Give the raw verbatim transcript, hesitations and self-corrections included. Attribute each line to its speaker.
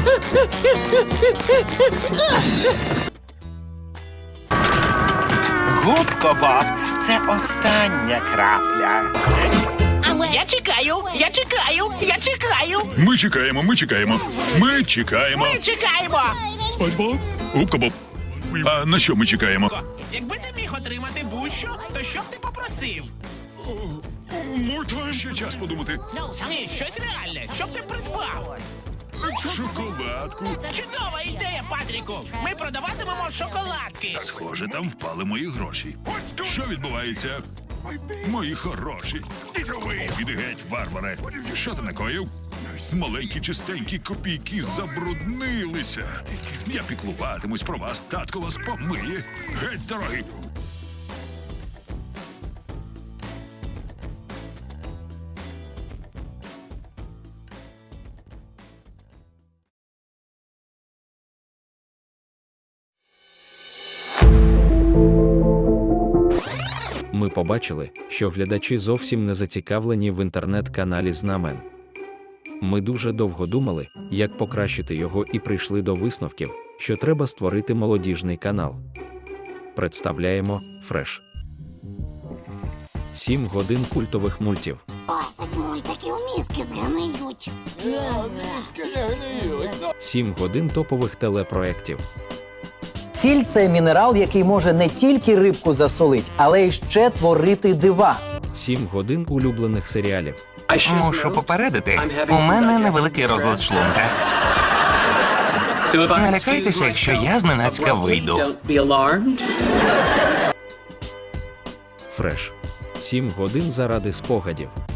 Speaker 1: Губко Боб, це остання крапля.
Speaker 2: Я чекаю, я чекаю, я чекаю.
Speaker 3: Ми чекаємо, ми чекаємо. Ми чекаємо.
Speaker 2: Ми чекаємо.
Speaker 3: Губка Боб. А на що ми чекаємо?
Speaker 2: Якби ти міг отримати будь-що, то що б ти попросив?
Speaker 3: Можна ще час подумати.
Speaker 2: Ні, щось реальне. Що б ти придбав?
Speaker 3: Шоколадку.
Speaker 2: Чудова ідея, Патріку. Ми продаватимемо шоколадки.
Speaker 3: Схоже, там впали мої гроші. Що відбувається? Мої хороші. Іди геть, варваре. Що ти накоїв? Маленькі чистенькі копійки забруднилися. Я піклуватимусь про вас, татко вас помиє. Геть з дороги.
Speaker 4: Ми побачили, що глядачі зовсім не зацікавлені в інтернет-каналі Знамен. Ми дуже довго думали, як покращити його, і прийшли до висновків, що треба створити молодіжний канал. Представляємо Фреш. Сім годин культових мультів.
Speaker 5: Досить мультиків, мізки згниють.
Speaker 4: Сім годин топових телепроєктів.
Speaker 6: Сіль – це мінерал, який може не тільки рибку засолить, але й ще творити дива.
Speaker 4: Сім годин улюблених серіалів.
Speaker 7: Мушу попередити, у мене невеликий розлад шлунка. Не лякайтеся, якщо я зненацька вийду.
Speaker 4: Фреш. Сім годин заради спогадів.